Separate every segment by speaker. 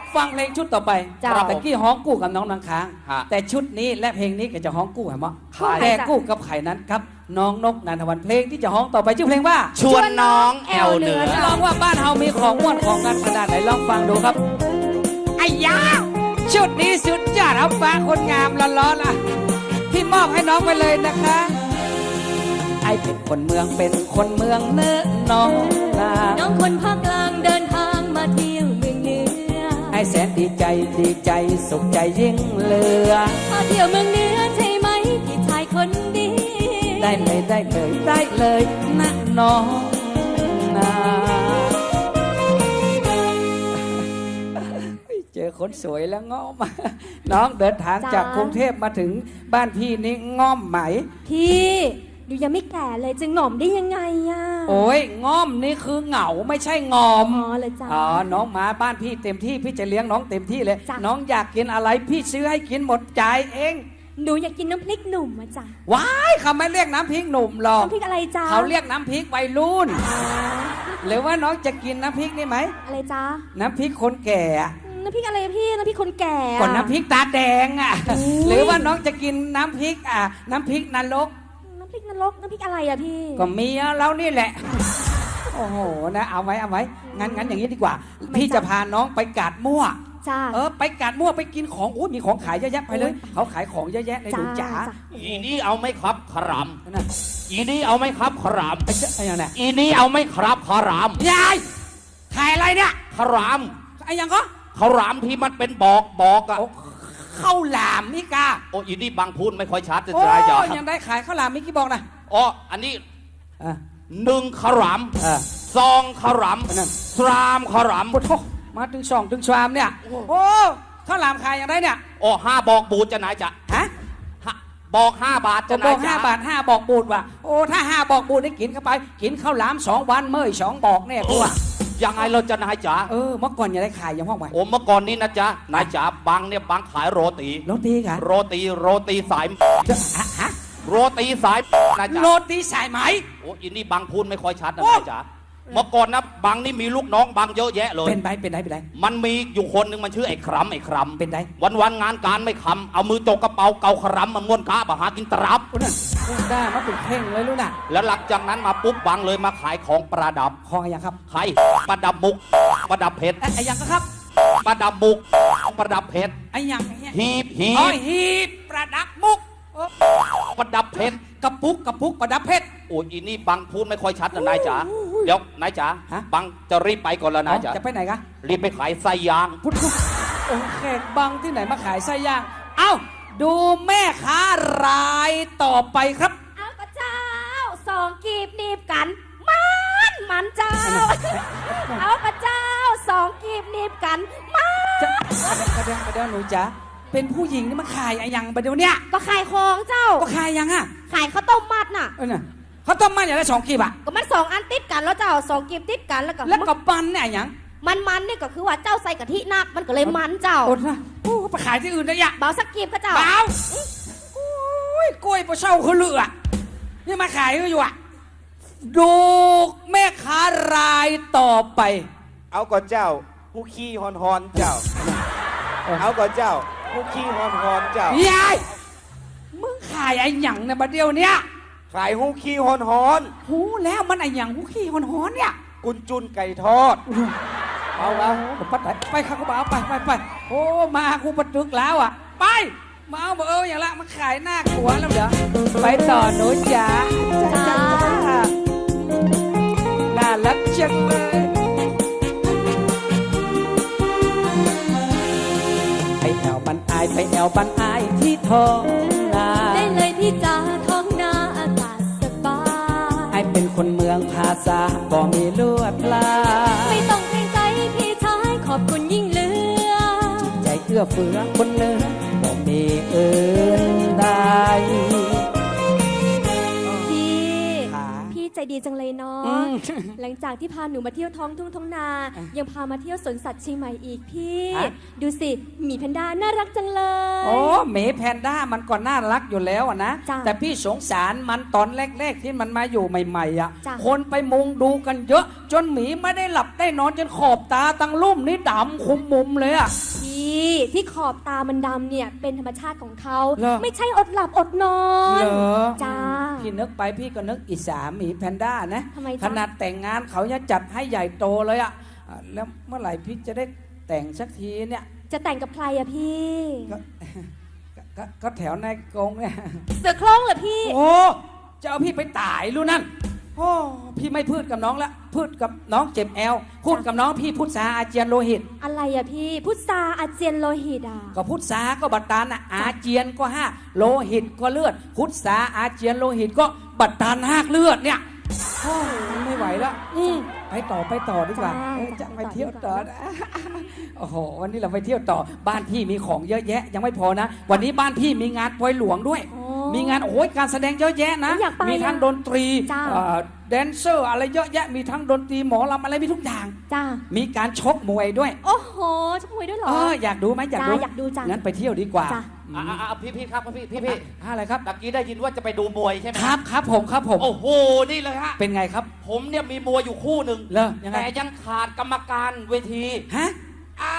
Speaker 1: ฟังเพลงชุดต่อไป
Speaker 2: เจ้า
Speaker 1: แต่กี้ฮ้องกู้กับน้องนางค้าง
Speaker 3: ฮะ
Speaker 1: แต่ชุดนี้และเพลงนี้ก็จะฮ้องกู้เหรอ
Speaker 3: ใคร
Speaker 1: แต่กู้กับไข่นั้นครับน้องนกนันทวันเพลงที่จะฮ้องต่อไปชื่อเพลงว่า
Speaker 3: ชวนน้องแอลเหนือ
Speaker 1: ลองว่าบ้านเฮามีของม่วนของกันขนาดไหนลองฟังดูครับไอ้ยาชุดนี้สุดยอดเอาฟ้าคนงามร้อนๆล่ะพี่มอบให้น้องไปเลยนะคะไอ้เป็นคนเมืองเป็นคนเมืองเนื้อน้องนา
Speaker 2: น้องคนภาคกลางเดินทางมาเที่ยวเมืองเหนือ
Speaker 1: ไอ้แสนดีใจสุขใจยิ่งเหลือ
Speaker 2: มาเที่ยวเมืองเหนือใช่ไหมพี่ชายคนดี
Speaker 1: ได้เลยนะน้องนาเจอคนสวยแล้วง้อม น้องเดินทางจากกรุงเทพมาถึงบ้านพี่นี่ง้อมไหม
Speaker 2: พี่ดูยังไม่แก่เลยจะหง่อมได้ยังไงอ่ะ
Speaker 1: โอ้ยง้อมนี่คือเหงาไม่ใช่งอม
Speaker 2: อ๋อเลยจ้า
Speaker 1: อ๋อน้องมาบ้านพี่เต็มที่พี่จะเลี้ยงน้องเต็มที่เลย
Speaker 2: จ้ะ
Speaker 1: น้องอยากกินอะไรพี่ซื้อให้กินหมดจ่ายเอง
Speaker 2: หนูอยากกินน้ำพริกหนุ่มอ่ะจ้ะ
Speaker 1: ว้ายเขาไม่เรียกน้ำพริกหนุ่มหรอก
Speaker 2: น้ำพริกอะไรจ้า
Speaker 1: เขาเรียกน้ำพริกวัยรุ่น หรือว่าน้องจะกินน้ำพริกนี่ไหม
Speaker 2: อะไรจ้า
Speaker 1: น้ำพริกคนแก่อะ
Speaker 2: น้ำพริกอะไรพี่น้ำพริกคนแก่อะ
Speaker 1: ก่อนน้ำพริกตาแดงอ่ะ
Speaker 2: อุ๊ย
Speaker 1: หรือว่าน้องจะกินน้ำพริกน้ำพริกนรก
Speaker 2: น้ำพริกนรกน้ำพริกอะไรอะพี่
Speaker 1: ก็มีเรานี่แหละ โอ้โหนะเอาไว้งั้นอย่างนี้ดีกว่า พี่จะพาน้องไปกาดมั่ว
Speaker 2: จ้า
Speaker 1: ไปกาดมั่วไปกินของอู้มีของขายเยอะแยะไปเลย เขาขายของเยอะแยะเลยหนูจ๋า
Speaker 3: อีนี่เอาไหมครับขราม
Speaker 1: นะ
Speaker 3: อีนี่เอาไหมครับขราม
Speaker 1: ไอ้ยังไง
Speaker 3: อีนี่เอาไหมครับขราม
Speaker 1: ยายขายอะไรเนี่ย
Speaker 3: ขราม
Speaker 1: ไอ้ยังก็
Speaker 3: ขรามที่มันเป็นบอกอะ
Speaker 1: โอ้ข้าวหลามนี่กา
Speaker 3: โอ้อีนี่บางพูดไม่ค่อยชัดจะ
Speaker 1: โอ้
Speaker 3: ได้จ้ะ
Speaker 1: ยังได้ขายข้าวหลามมิกี่บอกนะ
Speaker 3: อ๋ออันนี้
Speaker 1: อ่ะ
Speaker 3: 1ขราม
Speaker 1: อ่ะ
Speaker 3: 2ขราม
Speaker 1: อันนั้น
Speaker 3: 3ขราม
Speaker 1: โอ้โหมาถึง2 ถึง 3เนี่ยโอ้ข้าวหลามขายอย่างไรเนี่ย
Speaker 3: โอ้5บอกบูดจะไหนจะ
Speaker 1: ฮะ
Speaker 3: บอก5 บาท
Speaker 1: จะ
Speaker 3: จะไหน
Speaker 1: บอก
Speaker 3: จะ
Speaker 1: 5 บาท 5 บอกบูดว่ะโอ้ถ้า 5 บอกบูดได้กินเข้าไป กินข้าวหลาม 2 วันเมื่อย2 บอกเนี่ยกูอ่ะ
Speaker 3: ยังไงเราจะนายจ๋า
Speaker 1: เมื่อก่อนอย่าได้ขายอย่างห้องไว้
Speaker 3: โอ้เมื่อก่อนนี้นะจ๊ะนายจ๋าบางเนี่ยบางขายโรตี
Speaker 1: โรตีค่ะ
Speaker 3: โรตีสาย
Speaker 1: ฮะ
Speaker 3: โรตีสายนายจ๋า
Speaker 1: โรตีสายไหม
Speaker 3: โอ้อินนี่บางพูดไม่ค่อยชัดนะ
Speaker 1: โอ้
Speaker 3: นายจ๋าเมื่อก่อนนะบางนี่มีลูกน้องบางเยอะแยะเลย
Speaker 1: เป็นไร
Speaker 3: มันมีอยู่คนหนึ่งมันชื่อไอ้ครัมไอ้ครัม
Speaker 1: เป็นไร
Speaker 3: วันงานการไม่คำเอามือจกกระเป๋าเกาครัมมาม้วนกะมาหากินตรับ
Speaker 1: โอ้นั่นได้มาเป็นเพ่งเลยรู้น่ะ
Speaker 3: แล้วหลังจากนั้นมาปุ๊บบางเลยมาขายของประดับ
Speaker 1: คออย่างครับ
Speaker 3: ขายประดับมุกประดับเพชร
Speaker 1: ไอ้ยังก็ครับ
Speaker 3: ประดับมุกประดับเพชร
Speaker 1: ไอ้ยัง
Speaker 3: หีบ
Speaker 1: อ๋อหีบประดับมุก
Speaker 3: ประดับเพชร
Speaker 1: กระปุกประดับเพชร
Speaker 3: โอ้ยอีนี่บังพูดไม่ค่อยชัดนะนายจ๋าเดี๋ยวนายจ๋า
Speaker 1: ฮะ
Speaker 3: บังจะรีบไปก่อนแล้วนายจ๋า
Speaker 1: จะไปไหนกะ
Speaker 3: รีบไปขายไส้ยาง
Speaker 1: พุทธโอ้แขกบังที่ไหนมาขายไส้ย่าง เอ้า ดูแม่ค้ารายต่อไปครับ
Speaker 2: เอากระเจ้า2 กีบหนีบกัน มันเจ้า เอากระเจ้า2 กีบหนีบกันมัน
Speaker 1: ประเดี๋ยวหนูจ๋าเป็นผู้หญิงนี่มาขายอะไรยังประเดี๋ยวเนี้ย
Speaker 2: ก็ขายของเจ้า
Speaker 1: ก็ขายยังอ่ะ
Speaker 2: ขายข้าวต้มมัดน่ะ
Speaker 1: น่ะเขาต้มมันอย่างละ2 กีบอ่ะ
Speaker 2: ก็มัน2 อันติดกันแล้วเจ้า2 กีบติดกันแล้วก็
Speaker 1: แล้วก็ปันเนี่ยอย่าง
Speaker 2: มันนี่ก็คือว่าเจ้าใส่กะทินักมันก็เลยมันเจ้า
Speaker 1: อดนะโอ้ไปขายที่อื่นได้ยัง
Speaker 2: เบาสักกีบก็เจ้า
Speaker 1: เปล่าโอ้ยกล้วยปลาเช่าเขาเลือนี่มาขายก็อยู่อ่ะ ดูแม่ค้ารายต่อไป
Speaker 4: เอาก่อนเจ้าผู้ขี้ฮอนเจ้า เอาก่อนเจ้าผู้ขี้ฮอนเจ้าย
Speaker 1: าย มึงขายไอ้หยังในบัดเดียวเนี้ย
Speaker 4: ขายผู้ขี้ฮอน
Speaker 1: หูแล้วมันไอ้หยังหูขี้หอนๆเนี่ย
Speaker 4: กุนจุนไก่ทอด เอาวะ
Speaker 1: ปัดไปข้ากูบ่าวไปโอ้มากูประตึกแล้วอ่ะ ไปมาเอาบ่อย่างละมาขายหน้าขัวแล้วเดี๋ยวไปต่อหนูจ๋าจ้าน่ารักจังเลยไปแอวบันอายที่ท้องนา
Speaker 2: ได้เลยพี่จ๋าท้องนาอากาศสบาย
Speaker 1: ไอเป็นคนเมืองภาษาบ่มีลวดลาย
Speaker 2: ไม่ต้องเกรงใจพี่ชายขอบคุณยิ่งเหลือ
Speaker 1: ใจเอื้อเฟื้อคนเนื้อบ่มีอื่นใด
Speaker 2: พี่
Speaker 1: ขา
Speaker 2: พี่ใจดีจังเลยเนาะ
Speaker 1: อืม
Speaker 2: หลังจากที่พาหนูมาเที่ยวท้องทุ่งท้องนา ยังพามาเที่ยวสวนสัตว์เชียงใหม่อีกพี่
Speaker 1: ฮะ
Speaker 2: ดูสิหมีแพนด้าน่ารักจังเลย
Speaker 1: โอ้หมีแพนด้ามันก็น่ารักอยู่แล้วอะนะ
Speaker 2: จ้ะ
Speaker 1: แต่พี่สงสารมันตอนแรกๆที่มันมาอยู่ใหม่ๆอ่ะ
Speaker 2: จ้ะ
Speaker 1: คนไปมุงดูกันเยอะ จนหมีไม่ได้หลับได้นอนจนขอบตาตั้งลุ่มนี่ดำคุมมุมเลยอ่ะ
Speaker 2: พี่ที่ขอบตามันดำเนี่ยเป็นธรรมชาติของเขา
Speaker 1: เหรอ
Speaker 2: ไม่ใช่อดหลับอดนอน
Speaker 1: เหรอ
Speaker 2: จ้า
Speaker 1: พี่นึกไปพี่ก็นึกอิจฉาหมีแพนด้านะ
Speaker 2: ทำไมจ๊ะ
Speaker 1: ขนาดแต่งงานเขาจะจัดให้ใหญ่โตเลยอ่ะแล้วเมื่อไหร่พี่จะได้แต่งสักทีเนี่ย
Speaker 2: จะแต่งกับใครอะพี่
Speaker 1: ก็แถวในกรงเนี่ย
Speaker 2: เสือโคร่งเหรอพี่
Speaker 1: โอ้จะเอาพี่ไปตายรู้นั่นโอ้พี่ไม่พูดกับน้องละพูดกับน้องเจ็บแอลพูดกับน้องพี่พูดสาอาเจียนโลหิต
Speaker 2: อะไรอะพี่พุทธาอาเจียนโลหิตอะ
Speaker 1: ก็พุทธาก็บัตรตานอะอาเจียนก็ห้าโลหิตก็เลือดพุทธาอาเจียนโลหิตก็บัตรตานหากเลือดเนี่ยโอ้ไม่ไหวแล้วไปต่อดีกว่าจะไปเที่ยวต่อนะโอ้โหวันนี้เราไปเที่ยวต่อบ้านพี่มีของเยอะแยะยังไม่พอนะ วันนี้บ้านพี่มีงานปอยหลวงด้วย มีงานโอ้ยการแสดงเยอะแยะนะ
Speaker 2: อยากไป
Speaker 1: มีทั้งดนตรี
Speaker 2: จ้า
Speaker 1: แดนเซอร์อะไรเยอะแยะมีทั้งดนตรีหมอลำอะไรมีทุกอย่าง
Speaker 2: จ้า
Speaker 1: มีการชกมวยด้วย
Speaker 2: โอ้โหชกมวยด้วยเหรอ
Speaker 1: อยากดูไหมอยากดู
Speaker 2: จ้าอยากดูจ้ะ
Speaker 1: งั้นไปเที่ยวดีกว่า
Speaker 2: จ้ะ
Speaker 3: พี่ครับพี่
Speaker 1: อะไรครับ
Speaker 3: ตะกี้ได้ยินว่าจะไปดูมวยใช่ไหม
Speaker 1: ครับผม
Speaker 3: โอ้โหนี่เลยฮะ
Speaker 1: เป็นไงครับ
Speaker 3: ผมเนี่ยมีมวยอยู่คู่หนึ่ง
Speaker 1: เหรอยังไง
Speaker 3: แต่ยังขาดกรรมการเวที
Speaker 1: ฮะ
Speaker 3: อ้า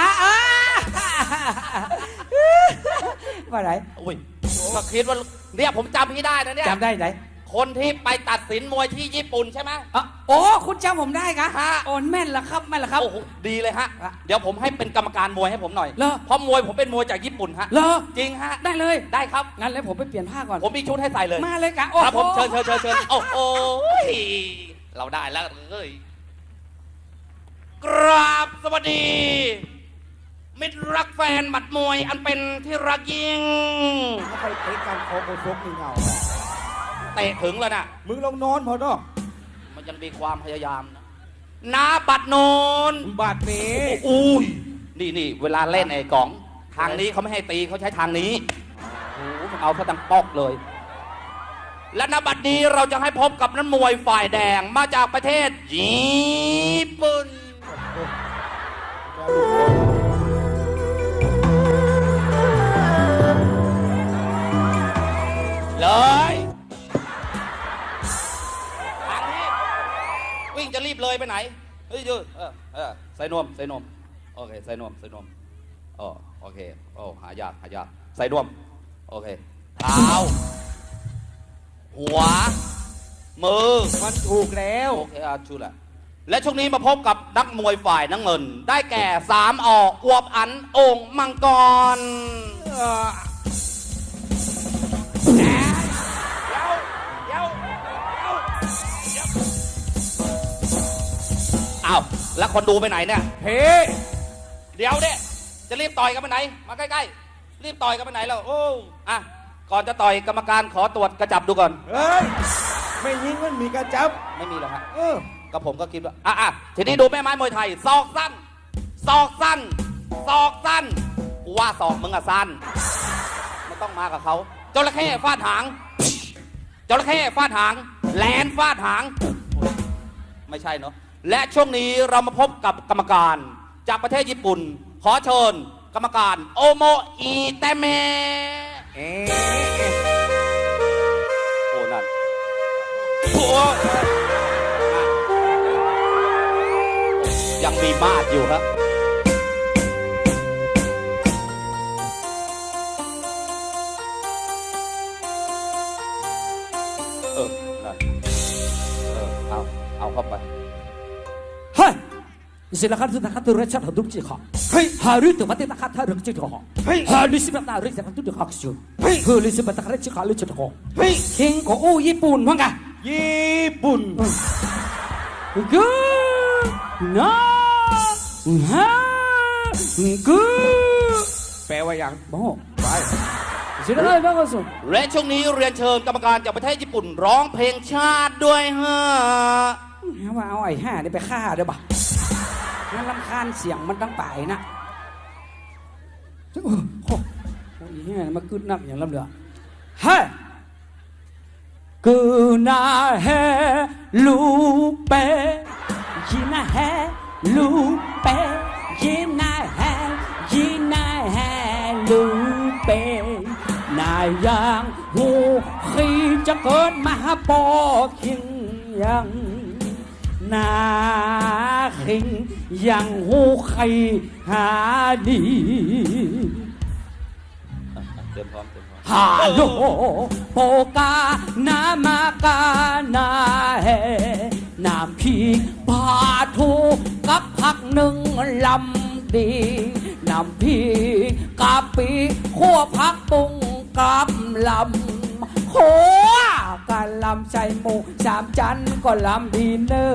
Speaker 1: ว่าไร
Speaker 3: โอ้ยก็คิดว่าเนี่ยผมจำพี่ได้นะเนี่ย
Speaker 1: จำได้ไหน
Speaker 3: คนที่ไปตัดสินมวยที่ญี่ปุ่นใช่ไหม
Speaker 1: โอ้คุณจำผมได้กะ
Speaker 3: ฮะ
Speaker 1: โอ้แม่นละครับแม่นละครับ
Speaker 3: โอ้โหดีเลยฮะ
Speaker 1: อ่ะ
Speaker 3: เดี๋ยวผมให้เป็นกรรมการมวยให้ผมหน่อย
Speaker 1: เหรอ
Speaker 3: เพราะมวยผมเป็นมวยจากญี่ปุ่นฮะ
Speaker 1: เหรอ
Speaker 3: จริงฮะ
Speaker 1: ได้เลย
Speaker 3: ได้ครับ
Speaker 1: งั้นแล้วผมไปเปลี่ยนผ้าก่อน
Speaker 3: ผมมีชุดให้ใส่เลย
Speaker 1: มาเลยกะ
Speaker 3: ครับผม
Speaker 1: โอ้โห
Speaker 3: เชิญโอ้โหเราได้แล้วเอ้ยกราบสวัสดี มิตรรักแฟนหมัดมวยอันเป็นที่รักยิ่ง
Speaker 4: ถ้าไปเตะการคอโคชกนี่เงา
Speaker 3: เตะถึงแล้วนะ
Speaker 4: มึงลองนอนพอเนาะ
Speaker 3: มันยังมีความพยายามนะนาบัดโนน
Speaker 4: บาดเม
Speaker 3: อุ้ยนี่เวลาเล่นไอ้กอง ทางนี้เขาไม่ให้ตีเขาใช้ทางนี้โอ้โหมันเอาซะดังปอกเลย และนบัดนี้เราจะให้พบกับนักมวยฝ่ายแดงมาจากประเทศญี่ปุ่น เลยทางนี้วิ่งจะรีบเลยไปไหนเฮ้ยยืดใส่นวมโอเคใส่นวมอ๋อโอเคโอ้หายากใส่นวมโอเคเท้าหัวมือ
Speaker 4: มันถูกแล้ว
Speaker 3: โอเคชูแหละและช่วงนี้มาพบกับนักมวยฝ่ายน้ำเงิน ได้แก่3ออวบอันโอ่งมังกรอ้าวแล้วคนดูไปไหนเนี่ย
Speaker 4: เฮ้
Speaker 3: เดี๋ยวเนี่ยจะรีบต่อยกันไปไหน มาใกล้ๆรีบต่อยกันไปไหนแล้วโอ้อ่ะก่อนจะต่อยกรรมการขอตรวจกระจับดูก่อน
Speaker 4: เฮ้ย ไม่ยิงมันมีกระจับ
Speaker 3: ไม่มีหรอกฮะ
Speaker 4: เออ
Speaker 3: ก็ผมก็คิดว่าทีนี้ดูแม่ไม้มวยไทยศอกสั้นศอกสั้นศอกสั้นกูว่าศอกมึงอะสั้นไม่ต้องมากับเขาจระเข้ฟาดหางจระเข้ฟาดหางแลนฟาดหางไม่ใช่เนาะและช่วงนี้เรามาพบกับกรรมการจากประเทศญี่ปุ่น ขอเชิญกรรมการโอโมอิเตเมะ
Speaker 4: เอ๊ะ
Speaker 3: โอ้นั่นโอ้ยังมีมาดอยู่ครับนั่นเอาเข้าไป
Speaker 1: เฮ้ยสิละครับสุดท้ายตัวเรชัดหัวดุจิขะเฮ้ยฮารุตัวมาเตะตะขัดฮารุจิขะเฮ้ยฮารุสิบัตนาริสักตุดขักชูเฮ้ยฮารุสิบัตนาริจิขะลุจิขะเฮ้ยคิงของโอ้ญี่ปุ่นมั้งกะ
Speaker 4: ญี่ปุ่น
Speaker 1: กูน้าฮะกู
Speaker 4: แปลว่าอย่าง
Speaker 1: บ้า
Speaker 4: ไป
Speaker 1: สิละครับบ้าก็สุด
Speaker 3: และช่วงนี้เรียนเชิญกรรมการจากประเทศญี่ปุ่นร้องเพลงชาติด้วยฮะ
Speaker 1: ว่าเอาไอ้ห่านี่ไปฆ่าเด้อบ่ะงั้นรำคาญเสียงมันตั้งป่ายนะโอ้โหไอ้ห่ามาขึ้นนักอย่างลำเดือเฮ้ยก na he lupe Gina he lupe Gina he lupe นายยังหูขีจะเกิดมาปอคิงยังนาคิงยังหูขีหาดี
Speaker 3: เต็มพร้อมเต็มพร้อม
Speaker 1: ฮาโลโปกานามากานาเฮน้ำพริกปลาทูกับผักหนึ่งลำดีน้ำพริกกะปิขั่วผักปุงกับลำโหกันลำใส่หมูสามจันก็ลำดีเนอ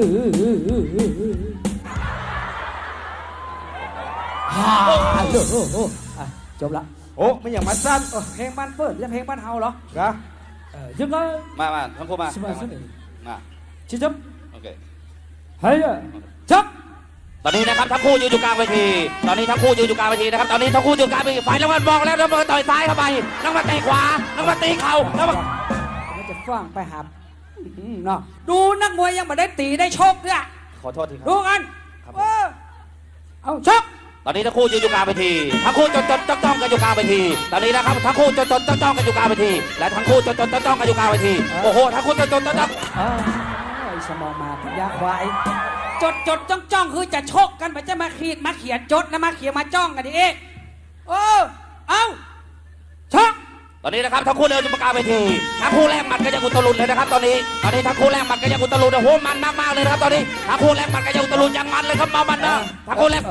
Speaker 1: ฮาโลจบละ
Speaker 4: โอ้ไม่อย่างมาสั้น
Speaker 1: เพลงบ้านเปิดยังเพลงบ้านเฮาเหรอ
Speaker 4: นะ
Speaker 1: ยังไง
Speaker 3: มาทั้งคู่มา
Speaker 1: สบายสบาย
Speaker 3: มา
Speaker 1: ชิจับ
Speaker 3: โอเค
Speaker 1: เฮ้ยจับ
Speaker 3: ตอนนี้นะครับทั้งคู่ยืนอยู่กลางเวทีตอนนี้ทั้งคู่ยืนอยู่กลางเวทีนะครับตอนนี้ทั้งคู่ยืนอยู่กลางเวทีฝ่ายน้ำมันบอกแล้วน้ำมันต่อยซ้ายเข้าไปน้ำมันเตะขวาน้ำมันตีเข่าน้ำมัน
Speaker 1: มันจะฟังไปหับเนาะดูนักมวยยังไม่ได้ตีได้ชกเนี่ย
Speaker 3: ขอโทษทีค
Speaker 1: ดู
Speaker 3: รับ
Speaker 1: กันเอาชก
Speaker 3: ตอนนี้ทั้งคู่ยืนอยู่กลางเวทีทั้งคู่จดจ้องกันอยู่กลางเวทีตอนนี้นะครับทั้งคู่จดจ้องกันอยู่กลางเวทีและทั้งคู่จดจ้องกันอยู่กลางเวทีโอ้โหทั้งคู่จดจ้อง
Speaker 1: ไอ้สมองมาปัญญาควายจ้องคือจะชกกันไปจะมาขีดมาเขียนจดนะมาเขียนมาจ้องกันดิเอ๊ะเอาชก
Speaker 3: ตอนนี้นะครับทั้งคู่เดินอยู่กลางเวทีทั้งคู่แลกหมัดกันอย่างอุตลุดเลยนะครับตอนนี้ทั้งคู่แลกหมัดกันอย่างอุตลุดโอ้โหมันมากๆเลยนะครับตอนนี้ทั้งคู่แลกหมัดกันอย่างอุตลุดอย่างมันเลยครับเมามันนะทั้งคู่แลก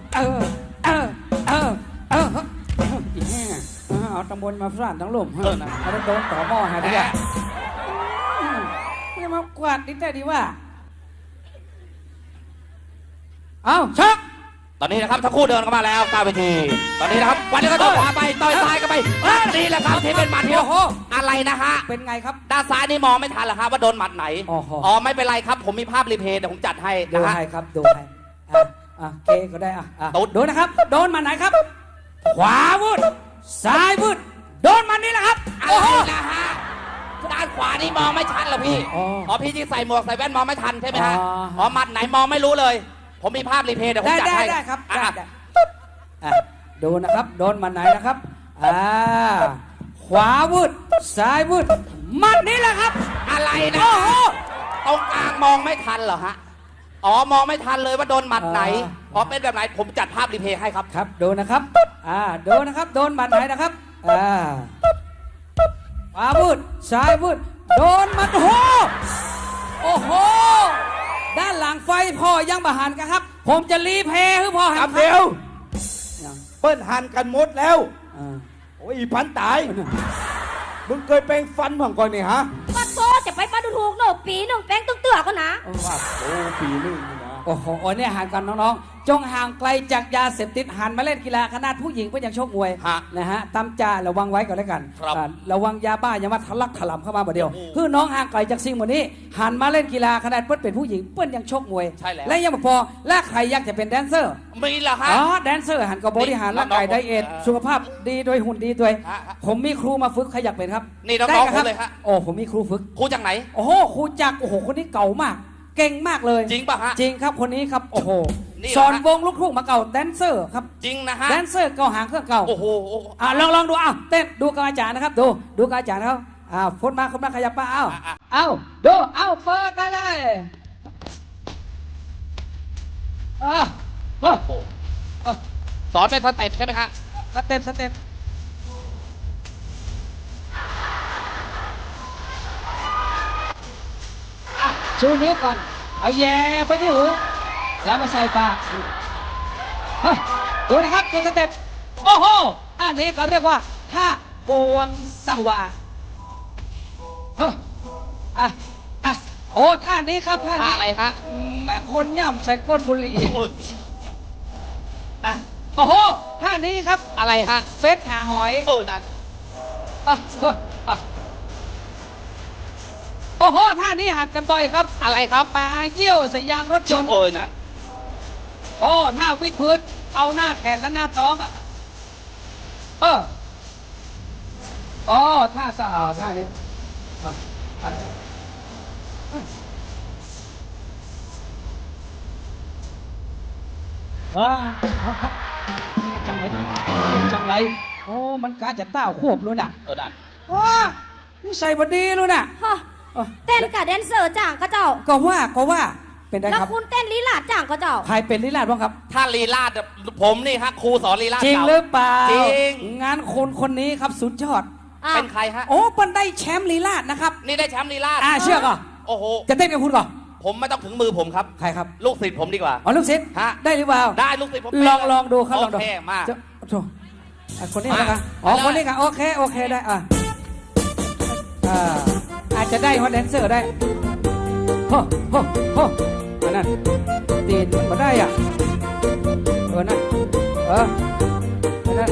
Speaker 1: อีแห่เอาตำบลมาฟาดทั้งลมเอาโดนต่อหม้อหาดีกว่าไม่มากวาดนิดได้ดีว่าเอาชัก
Speaker 3: ตอนนี้นะครับทั้งคู่เดินเข้ามาแล้วกลางเวทีตอนนี้นะครับวันนี้ก็ต่อยขวาไปต่อยซ้ายกันไปนี่แหละครับที่เป็นหมัดเดียวอะไรนะฮะ
Speaker 1: เป็นไงครับ
Speaker 3: ด้านซ้ายนี่มองไม่ทันเหรอครับว่าโดนหมัดไหน
Speaker 1: อ๋อ
Speaker 3: ไม่เป็นไรครับผมมีภาพรีเพย์เดี๋ยวผมจัดให้
Speaker 1: ดู
Speaker 3: นะฮะ
Speaker 1: ให้ครับดูให้เคก็ได้โดนนะครับโดนมาไหนครับ ขวาวุดซ้ายวุดโดนมันนี่แหละครับ
Speaker 3: อะ
Speaker 1: โอ้
Speaker 3: ไร
Speaker 1: โห
Speaker 3: นะฮะด้านขวานี่มองไม่ชัดเหรอพี่
Speaker 1: อ๋อ
Speaker 3: พี่ที่ใส่หมวกใส่แว่นมองไม่ทันใช่ไหมฮะ
Speaker 1: อ๋อ
Speaker 3: หมัดไหนมองไม่รู้เลย ผมมีภาพรีเพย์เดี๋ยวผมจัดให้
Speaker 1: ได้ครับ
Speaker 3: อ่ะ
Speaker 1: ได้ดูนะครับโดนมันไหนนะครับขวาวุดซ้ายวุดมันนี่แหละครับ
Speaker 3: อะไรนะ
Speaker 1: โอ้โห
Speaker 3: ตรงกลางมองไม่ทันเหรอฮะมองไม่ทันเลยว่าโดนหมัดไหนเป็นแบบไหนผมจัดภาพรีเพย์ให้ครับ
Speaker 1: ครับดูนะครับดูนะครับโดนมันไหนนะครับขวาวุดซ้ายวุดโดนมันโอ้โหด้านหลังไฟพ่อยังบาหันกันครับ ผมจะรีเพย์คือพ่อหัน
Speaker 4: ทำเร็วเปิ้ลหันกันหมดแล้ว โอ้ยอีพันตาย มึงเคยแปลงฟันผ่องก่อนนี่ฮะ
Speaker 2: ปัดโซจะไปปัดดูถูกหนูปีหนึ่งแป้งตึ้งเตือก็นะ
Speaker 4: ว่าโอ้ปีนึงนี่นะ
Speaker 1: โอ้โหเนี่ยห่างกันน้องๆ จงห่างไกลจากยาเสพติดหันมาเล่นกีฬาขนาดผู้หญิงก็ยังชกมวย
Speaker 3: ฮะ
Speaker 1: นะฮะตามจาระวังไว้ก่อนแล้วกัน
Speaker 3: ครับ
Speaker 1: ระวังยาบ้าอย่ามาทะลักถลำเข้ามาบ่เดียวคือน้องห่างไกลจากสิ่งหมดนี้ หันมาเล่นกีฬาขนาดเปิ้ลเป็นผู้หญิงเปิ้ลยังชกมวย
Speaker 3: ใช่แล้ว
Speaker 1: และยังไม่พอและใครอยากจะเป็นแดนเซอร์
Speaker 3: มีเหรอฮะ
Speaker 1: แดนเซอร์หันกับบริหารร่างกาย
Speaker 3: น้องๆ
Speaker 1: ไดเอท
Speaker 3: เออ
Speaker 1: สุขภาพดีโดยหุ่นดีด้วย
Speaker 3: ฮะ
Speaker 1: ผมมีครูมาฝึกใครอยากเป็นครับ
Speaker 3: นี่น้องๆ
Speaker 1: ได้ครับ
Speaker 3: ผมเลยฮะ
Speaker 1: โอ้ผมมีครูฝึก
Speaker 3: ครูจากไหน
Speaker 1: โอ้โหครูจักรโอ้โหคนนี้เก่ามาก เก่งมากเลย
Speaker 3: จริงป่ะฮะ
Speaker 1: จริงครับคนนี้ครับโอ้โห
Speaker 3: นี่เหรอฮะ
Speaker 1: สอนวงลูกทุ่งมาเก่าแดนเซอร์ครับ
Speaker 3: จริงนะฮะ
Speaker 1: แดนเซอร์เก่าหางเครื่องเก่า
Speaker 3: โอ้โห
Speaker 1: ลองดูเต้นดูกับอาจารย์นะครับดูกับอาจารย์เขาคนมาขยับมาดูเปิดได้เลย
Speaker 3: สอนเป็นสเต็ปใช่ไหมฮะ
Speaker 1: สเต็ปชูนิ้วก่อนเอาแย่ไปที่หูแล้วมาใส่ปากดูนะครับดูสเต็ปโอ้โหอันนี้เขาเรียกว่าท่าปวงสวาโอ้ท่านี้ครับท่านี้
Speaker 3: อะไรฮะ
Speaker 1: แม่คนย่ำใส่ก้นบุหรี่โอ้โหท่านี้ครับ
Speaker 3: อะไรฮะ
Speaker 1: เฟสหาหอย
Speaker 3: นั่น
Speaker 1: โอ้โหท่านี้หักกันบ่อยครับ
Speaker 3: อะไรครับ
Speaker 1: ปลาเยี่ยวใส่ยางรถยนต์
Speaker 3: นะ
Speaker 1: โอ้หน้าวิดพื้นเอาหน้าแขนและหน้าท้องท่าสะอาดท่านี้จังไรจังไรโอ้มันกาจะเต้าควบเลยน่ะ
Speaker 3: นั่น
Speaker 1: ว้านี่ใส่บดีเลยน่ะ
Speaker 2: ฮะเต้นกับแดนเซอร์จ่างก็เจ้า
Speaker 1: ก็ว่าเป็นได้
Speaker 2: แล้ว
Speaker 1: ครับ
Speaker 2: คุณเต้นลีลาดจ่างก็เจ้า
Speaker 1: ใครเป็นลิลาดบ้างครับ
Speaker 3: ถ้าลีลาดผมนี่ฮะครูสอนลีลาด
Speaker 1: จริง
Speaker 3: เก่า
Speaker 1: หรือเปล่า
Speaker 3: จริง
Speaker 1: งานคนนี้ครับสุดยอด
Speaker 2: อ้าว
Speaker 3: เป็นใครฮะ
Speaker 1: โอ้ปันได้แชมป์ลีลาดนะครับ
Speaker 3: นี่ได้แชมป์ลีลาด
Speaker 1: เชื่อก่อน
Speaker 3: โอ้โห
Speaker 1: จะเต้นกับคุณก่อน
Speaker 3: ผมไม่ต้องถึงมือผมครับ
Speaker 1: ใครครับ
Speaker 3: ลูกศิษย์ผมดีกว่า
Speaker 1: อ๋อลูกศิษย์
Speaker 3: ฮะ
Speaker 1: ได้หรือเปล่า
Speaker 3: ได้ลูกศิษย์ผม
Speaker 1: ลองดูครับลองดู
Speaker 3: โอเคมา
Speaker 1: จะโถ่คนนี้
Speaker 3: มา
Speaker 1: นะครับอ๋อ
Speaker 3: ไปเลย
Speaker 1: คนนี้ครับโอเคได้อาจจะได้ฮอตแดนเซอร์ได้โฮอันนั้นตีนมาได้อ่ะนั่นอันนั้น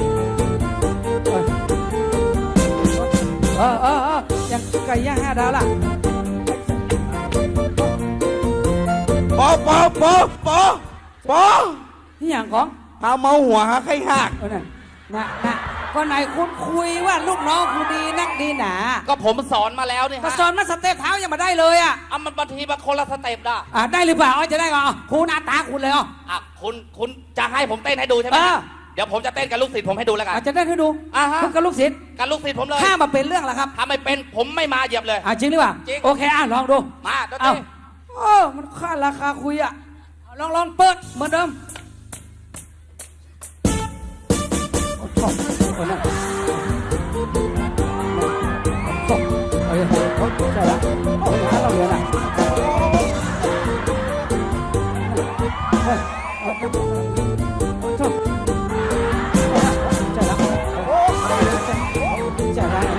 Speaker 1: ยังไก่ย่าง5 ดาวล่ะ
Speaker 4: ปอ
Speaker 1: นี่อย่างของ
Speaker 4: พาเมาหัวหาใครหัก
Speaker 1: นั่นนะก็ไหนคุณคุยว่าลูกน้องคุณดีนักดีหนา
Speaker 3: ก็ผมสอนมาแล้วนี่
Speaker 1: ก็
Speaker 3: ฮะ
Speaker 1: สอนมาสเต็ปเท้ายังมาได้เลยอ่ะ
Speaker 3: มันบางทีมาคนละสเต็ปนะ
Speaker 1: ได้หรือเปล่าจะได้ก่อนครูหน้าตาคุณเลย
Speaker 3: คุณจะให้ผมเต้นให้ดูใช่ไหมฮะเดี๋ยวผมจะเต้นกับลูกศิษย์ผมให้ดูแล้วกัน
Speaker 1: อาจจะได้ให้ดู
Speaker 3: ฮะ
Speaker 1: คุณกับลูกศิษย์
Speaker 3: กับลูกศิษย์ผมเลย
Speaker 1: ถ้ามาเป็นเรื่องแล้วครับ
Speaker 3: ถ้าไม่เป็นผมไม่มาเหยียบเลย
Speaker 1: จริงหรือเปล่า
Speaker 3: จริง
Speaker 1: โอเคลองดู
Speaker 3: มาดนต
Speaker 1: เอา
Speaker 3: รี
Speaker 1: มันค่าราคาคุยอ่ะลองเปิดเหมือนเดิมชอบนั่นใช่แล้วเราเรียนอ่ะชอบใช่แล้วใช่แล้ว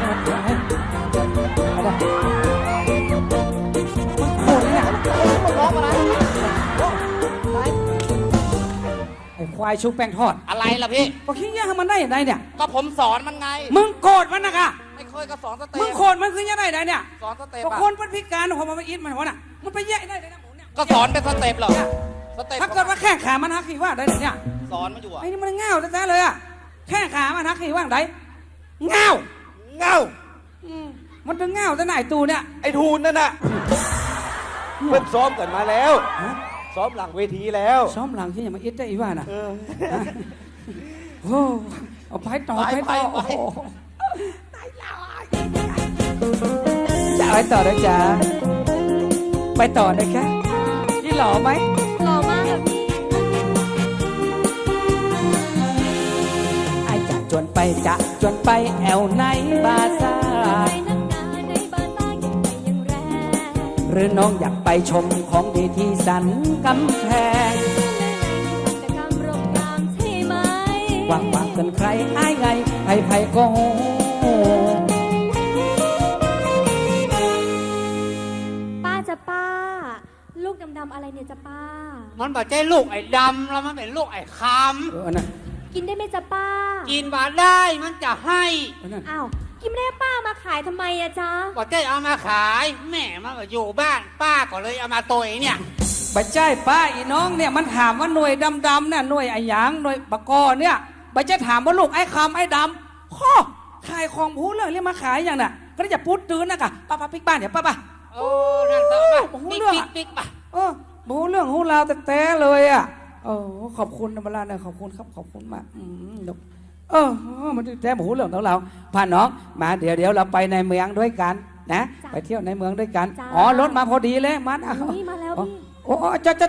Speaker 1: ไอ้ควายชุบแป้งทอด
Speaker 3: อะไรล่ะพี่
Speaker 1: ก็คิดยังมันได้อย่างไรเนี่ย
Speaker 3: ก็ผมสอนมันไง
Speaker 1: มึงโกรธมันนะคะ
Speaker 3: ไม่เคยก็สอนสเต็ป
Speaker 1: มึงโกรธมันคือยังไงได้เนี่ย
Speaker 3: สอนสเต็ป
Speaker 1: ก็
Speaker 3: อะ
Speaker 1: คนเป็นพิการของมันอินมันหัวน่ะมันไปแย่ได้เลยนะหมูเนี่ย
Speaker 3: ก็สอนเป็นสเต็ปเหรอสเต็ป
Speaker 1: ถ้าเกิดว่าแข้งขามันหักขี้ว่าได้เนี่ย
Speaker 3: สอนมันอยู่อะ
Speaker 1: ไอ้นี่มันเง่าแท้ๆเลยอ่ะแข้งขามันหักขี้ว่าได้เง่า
Speaker 4: เงา
Speaker 1: มันจะเง่าแต่ไหนตูเนี่ย
Speaker 4: ไอ้ทูนนั่นน่ะเพิ่งซ้อมกันมาแล้ว ซ้อมหลังเวทีแล้ว
Speaker 1: ซ้อมหลังที่ยังมาอิดได้อีว่าน่ะ
Speaker 4: เออ
Speaker 1: โอ้เอาไปต่อโอ้โหจะไปต่อนะจ๊ะไปต่อนะคะนี่หล่อไหม
Speaker 2: หล่อมากค่ะพี่
Speaker 1: ไอจะจวนไปแอวในบาซ่า
Speaker 2: ในนักหนาในบาซ่ายิ่งใหญ่ยังแรง
Speaker 1: หรือน้องอยากไปชมของดีที่สันกำแพง
Speaker 2: แต่กำรบกรามใช่ไหม
Speaker 1: วางเกินใครอายไงไผก็โห
Speaker 2: ป้าจะป้า ลูกดำๆอะไรเนี่ยจะป้า
Speaker 5: มันบอกใจลูกไอ้ดำแล้วมันเป็นลูกไอ้ค
Speaker 1: นั่น
Speaker 2: กินได้ไหมจะป้า
Speaker 5: ำกินมาได้มันจะให้
Speaker 1: นั่น
Speaker 2: อ้าวกินไม่ได้ป้ามาขายทำไมอะจ๊ะ
Speaker 5: บอกใจเอามาขายแม่มันก็อยู่บ้านป้าก็เลยเอามาตัวเองเนี่ย
Speaker 1: ใบใจป้าอีน้องเนี่ยมันถามว่าหน่วยดำๆเนี่ยหน่วยไอ้หยางหน่วยปะกอเนี่ยใบใจถามว่าลูกไอ้คำไอ้ดำข้อขายของพูดเรื่องเรียกมาขายอย่างน่ะก็ได้จะพูดตื่นนะกะป้าปิ๊กบ้านเดี๋ยวป้า
Speaker 5: โอ้นั่นต่อไป
Speaker 1: โอ้โห
Speaker 5: ปิ๊ก
Speaker 1: เรื่อง
Speaker 5: ปิ๊
Speaker 1: อะ
Speaker 5: กปิ๊กป่ะ
Speaker 1: บูเรื่องหูราวแต่เลยอ่ะขอบคุณนะเวลาเนี่ยขอบคุณครับขอบคุณมากมันแต่บูเรื่องของเราพาน้องมาเดี๋ยวเราไปในเมืองด้วยกันนะไปเที่ยวในเมืองด้วยกันรถมาพอดีเลยมัน
Speaker 2: นี่มาแล้วพี่
Speaker 1: โอ้จอด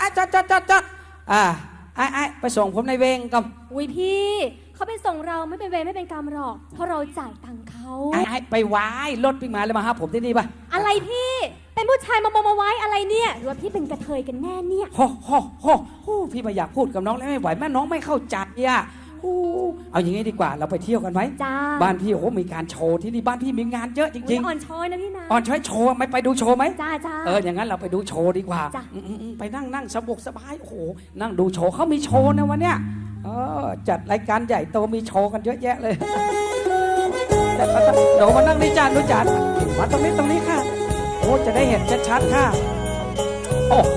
Speaker 1: ไปส่งผมในเวงกับ
Speaker 2: อุ้ยพี่เขาไปส่งเราไม่เป็นเวรไม่เป็นกรรมหรอก เพราะเราจ่ายตังค์เขา
Speaker 1: ไปไว้รถปิ้งมาเลยมาหาผมที่นี่ป่ะ
Speaker 2: อะไรพี่ เป็นผู้ชายมาไว้อะไรเนี่ยหรือว่าพี่เป็นกระเทยกันแน่เนี่ย
Speaker 1: พี่ไม่อยากพูดกับน้องแล้วไม่ไหวแม่น้องไม่เข้าใจอ่ะเอาอย่างนี้ดีกว่าเราไปเที่ยวกันไหม
Speaker 2: จ้า
Speaker 1: บ้านพี่มีการโชว์ที่นี่บ้านพี่มีงานเยอะจริง
Speaker 2: อ่อนช้อยนะพี่นะ
Speaker 1: ๆช้อยโชว์ไม่ไปดูโชว์ไหม
Speaker 2: จ้า
Speaker 1: อย่างนั้นเราไปดูโชว์ดีกว่า
Speaker 2: จ้ะ
Speaker 1: ไปนั่งสบายโอ้โหนั่งดูโชว์เขามีโชว์นะวันเนี้ยจัดรายการใหญ่โตมีโชว์กันเยอะแยะเลยเดี๋ยวมานั่งนี่จานดูจานมาตรงนี้ค่ะโอ้จะได้เห็นชัดๆค่ะโอ้โห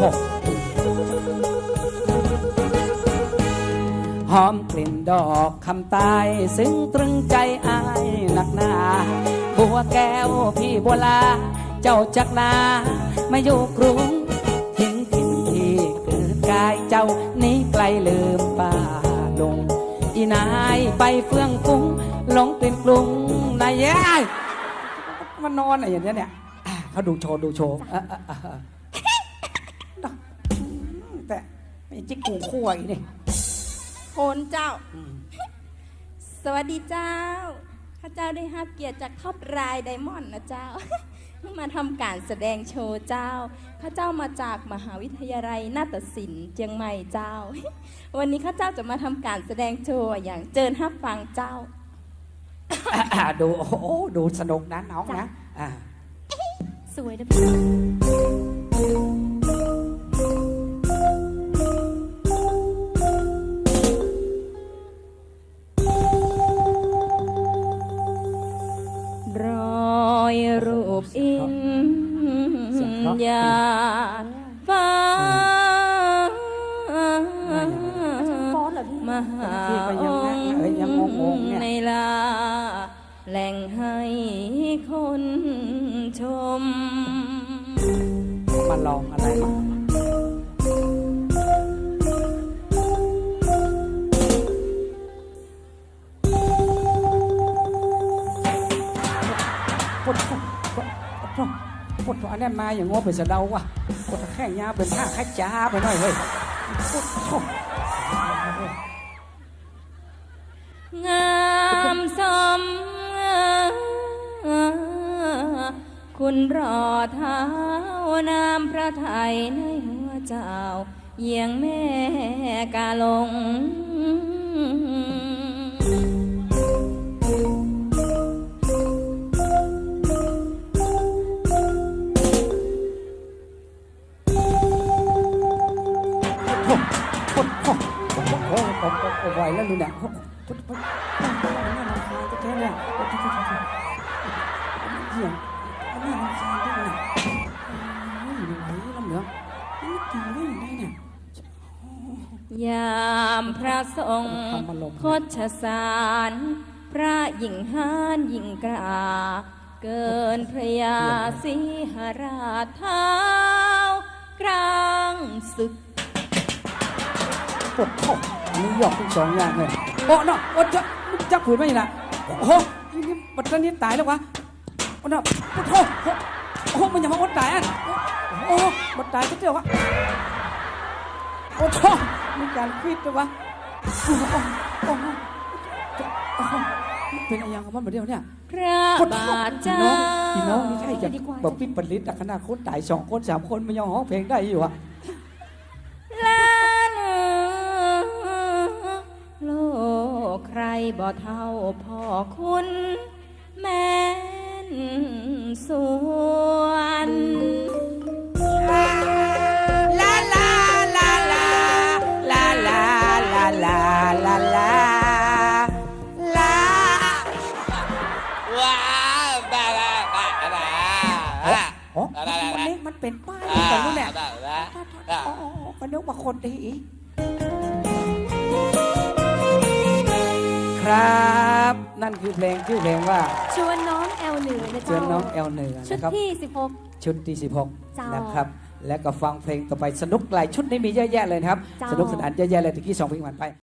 Speaker 1: หอมกลิ่นดอกคำตายซึ้งตรึงใจอายหนักหนาบัวแก้วพี่บัวลา เจ้าจักลามาอยู่กรุงทิ้งถิ่นที่เกิดกายเจ้านี้ไกลลืมป่าลงอีนายไปเฟื่องฟุ้งหลงเป็นกรุงนายเอ้ยมันนอนอะไรอย่างเนี้ยเนี่ยเขาดูโชว์แต่ไม่จิกกูคั่วอีกนี่
Speaker 2: โหนเจ้า สวัสดีเจ้า ข้าเจ้าได้รับเกียรติจากท็อปรายไดมอนด์นะเจ้า มาทำการแสดงโชว์เจ้า ข้าเจ้ามาจากมหาวิทยาลัยนาฏศิลป์เชียงใหม่เจ้า วันนี้ข้าเจ้าจะมาทำการแสดงโชว์อย่างเจิญฮับฟังเจ้า
Speaker 1: ดูโอ้โหดูสนุกนะน้องนะอ่า
Speaker 2: สวยนะพี่ รอยรูปอินยาฟ้ามหาองค์ในลาแหล่งให้คนชม
Speaker 1: มาลองอะไรมาปดอันนี้มาอย่างง้อไปสะเดาว่ะปดแข้งยาเป็นท่าคัดจ้าไปหน่อยเฮ้ย
Speaker 2: งามสมคุณรอเท้านามพระไทยในหัวเจ้าเยียงแม่กาลง
Speaker 1: ไหวแล้วดูเนี่ยน่ารำคาญจะแค่เนี่ยเหี้ยน่ารำคาญด้วยเนี่ยไม่ไหวลำเหลืองนี่ตีได้ยังไงเนี่ย
Speaker 2: ยามพระทรงโคชสารพระหญิงหานหญิงกราเกินพระยาสีหราชเท้ากลางศึก
Speaker 1: ปวดท้องนี่หยอกทั้งสองอย่างเลยโอ้เนาะโอ้จับผืนไม่ละโอ้โหนี่บัดนี้ตายแล้ววะโอ้เนาะปวดท้องโอ้มันอย่ามาอดตายอ่ะโอ้บัดตายก็เจ้าวะโอ้ท้องมีการควิดด้วยวะโอ้เป็นอะไรอย่างมันเหมือนเดิมเนี่ย
Speaker 2: พระบาทเจ้า
Speaker 1: พี่น้องนี่ใช่จะแบบปิดผลิตขนาดคนตาย2 คน 3 คนมันยังร้องเพลงได้อยู่อะ
Speaker 2: ลาเนโลกใครบ่เท่าพ่อคุณแม่นสวน
Speaker 1: ลาลาลาลาลาลาลาลาลาลาลา
Speaker 3: ว้าวบ้า
Speaker 1: โอ้วันนี้มันเป็นป้ายแต่รู้เนี่ยมันนึกว่าคนดีครับนั่นคือเพลงชื่อเพลงว่า
Speaker 2: ชวนน้องแอลเหนือนะ
Speaker 1: เชิ
Speaker 2: เจ้า
Speaker 1: ญน้องแอลเหนือ
Speaker 2: ชุด
Speaker 1: นะครับ
Speaker 2: ที่16
Speaker 1: ชุดที่
Speaker 2: เจ้า
Speaker 1: 16นะครับและก็ฟังเพลงต่อไปสนุกหลายชุดนี้มีเยอะแยะเลยนะครับ
Speaker 2: เจ้า
Speaker 1: สนุกสนานเยอะแยะเลยตะกี้2 เพลงผ่านไป